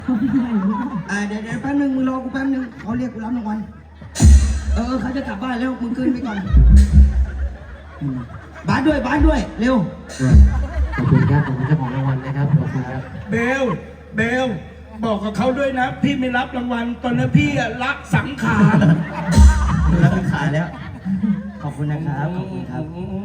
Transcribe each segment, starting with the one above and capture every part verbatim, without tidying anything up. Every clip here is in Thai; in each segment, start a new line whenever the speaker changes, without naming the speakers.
อ่าเดี๋ยวเดี๋ยวแป๊บนึงมึงรอกูแป๊บนึงเขาเรียกกูรับรางวัลเออเขาจะกลับบ้านแล้วมึงขึ้นไปก่อนบ้านด้วยบ้านด้วยเร็ว
ขอบคุณครับขอบคุณเจ้าของรางวัลนะครับขอบคุณครับ
เบลเบลบอกกับเขาด้วยนะพี่ไม่รับรางวัลตอนนี้พี่รักสังขาร
รักสังขารแล้วขอบคุณนะครับขอบคุณครับ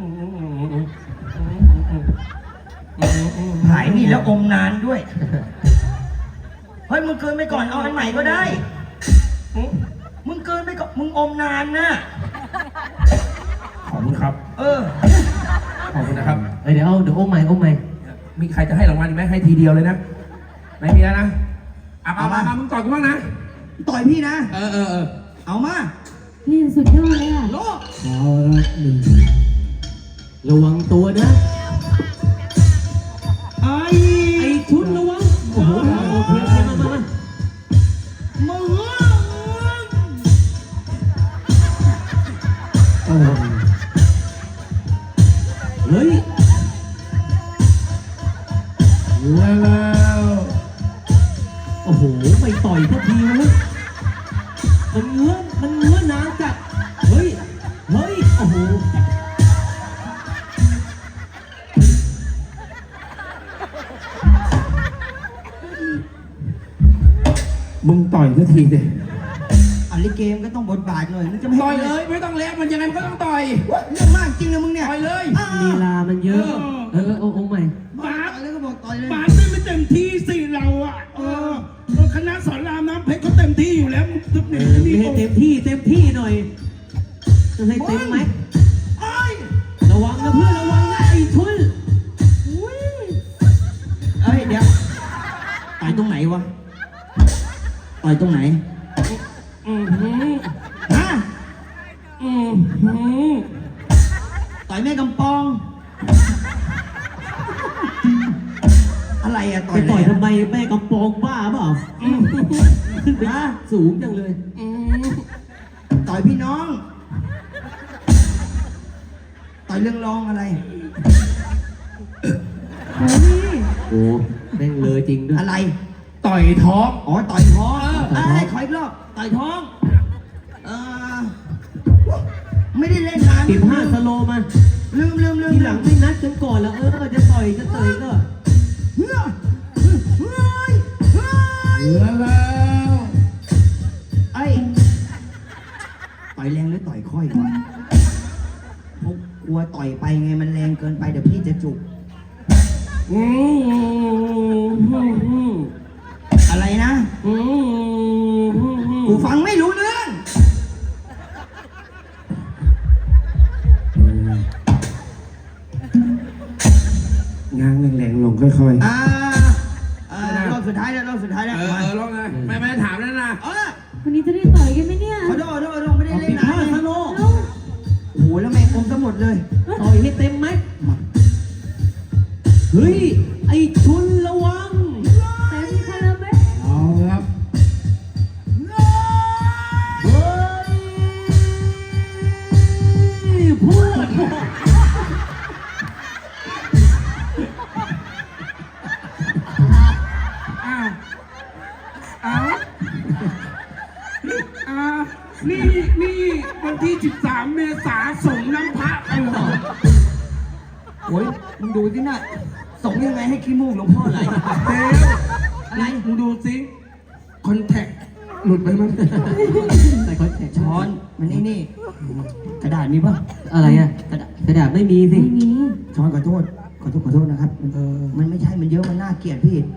หายนี่แล้วอมนานด้วยเฮ้ยมึงเกินไปก่อนเอาอันใหม่ก็ได้มึงเกินไปก่อนมึงอมนานนะ
ขอบคุณครับ
เออ
ขอบคุณนะครับ
เดี๋ยวเดี๋ยวโอ้ใหม่โอ้ใหม่
มีใครจะให้รางวัลอีกไหมให้ทีเดียวเลยนะไม่มีแล้วนะเอาเอามามึงต่อยกูบ้างนะ
ต่อยพี่นะ
เออเออเออ
เอามา
นี่สุดยอดเลยอ่ะ
โล
เอาละหนึ่งระวังตัวนะ
ไอ้
ไอ้ชุดระวังโอ้โหโอเคโอเคมามามา
มึง
โอ้เฮ้ย
แล้ว
โอ้โหไปต่อยทันทีเลยมันเงื้อมันเงื้อนานจัดเฮ้ยเฮ้ยโอ้โห
มึงต่อยสักทีดิ
อันนี้เกมก็ต้องบทบาทหน่อยมันจะไม่
ต่อยเลยไม่ต้องเล็กมันยังไงมันก็ต้องต่อย
เรื่องมากจริงนะมึงเนี่ย
ต่อยเลย
ลีลามันเยอะเออโอ้โอ้ใหม่
บาส
แล้วก็บอกต่อยเลย
บาสไม่เต็มที่สิเราอ่ะเออคณะสอนรามน้ำเพชรเขาเต็มที่อยู่แล้วทุก
นี่ให้เต็มที่เต็มที่หน่อยจะให้เต็มไหมระวังนะเพื่อนระวังนะไอ้ชุน
เอ้ยเดี๋ยวต่อยตรงไหนวะต่อยตรงไหน
อืม
ฮะ
อืม
ต่อยแม่กำปองอะไรอะต่อย
ต่อยทำไมแม่กำปองบ้าเปล่าขึ้นไปสูงจังเลย
ต่อยพี่น้องต่อยเรื่องรองอะไร
โอ้แม่งเลยจริงด้วย
อะไร
ต่อยท้อง
อ๋อต่อยท้องเอ้ยขออีกรอบต่อยท้องเออไม่ได้เล่นนาน
สิบห้าสโลมา
ลืมลืมลืม
ทีหลังไม่นัดกันก่อนแล้วเออจะต่อยจะเตยก็
เฮ้ยเฮ้ยเฮ้ย
แล้ว
ไอ้ต่อยแรงหรือต่อยค่อยวะพวกกลัวต่อยไปไงมันแรงเกินไปเดี๋ยวพี่จะจุกอะไรนะกูฟังไม่รู้เรื่อง
งางแรงๆลงค่อย
ๆอ่าอ่ารอบสุดท้ายแล้วรอบสุดท้ายแล้ว
เออลองไงไม่ไม่ถามแล้วนะ
เออ
วันนี้จะได้ต่อยกันไหมเนี่ย
ขอโทษขอโทษขอโทษไม่ได้เล่นนะ
สโล
โอ้โหแล้วแม่งอมทั้งหมดเลย
ต่อยให้เต็มไหมเฮ้ยไอ้ชุนระวัง
เต็มคาราเบล
เอาครับ
เฮ้ยพูด
อ้าวอ้าวอ้าวนี่นี่วันที่สิบสามเมษายนส่งน้ำพระกันเหรอ
โอ้ยมึงดูสิน่ะส่งยังไงให้ขี้มูกหลวงพ่อไหล
เฮ้ยอะไรมึงดูสิคอนแทคหลุดไปมั้ง
ใส่คอนแทค
ช้อนมันนี่นี่กระดาษมีป่ะ
อะไรอ่ะกระดาษกระดาษไม่มีสิ
ไม่มี
ช้อนขอโทษขอโทษขอโทษนะครับเออมันไม่ใช่มันเยอะมันน่าเกลียดพี่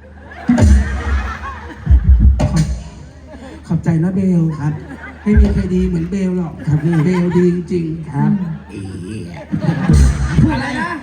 ขอบใจนะเบล
ครับ
ไม่มีใครดีเหมือนเบลหรอก
ครับพี่
เบลดีจริง
ครับ
อะไรนะ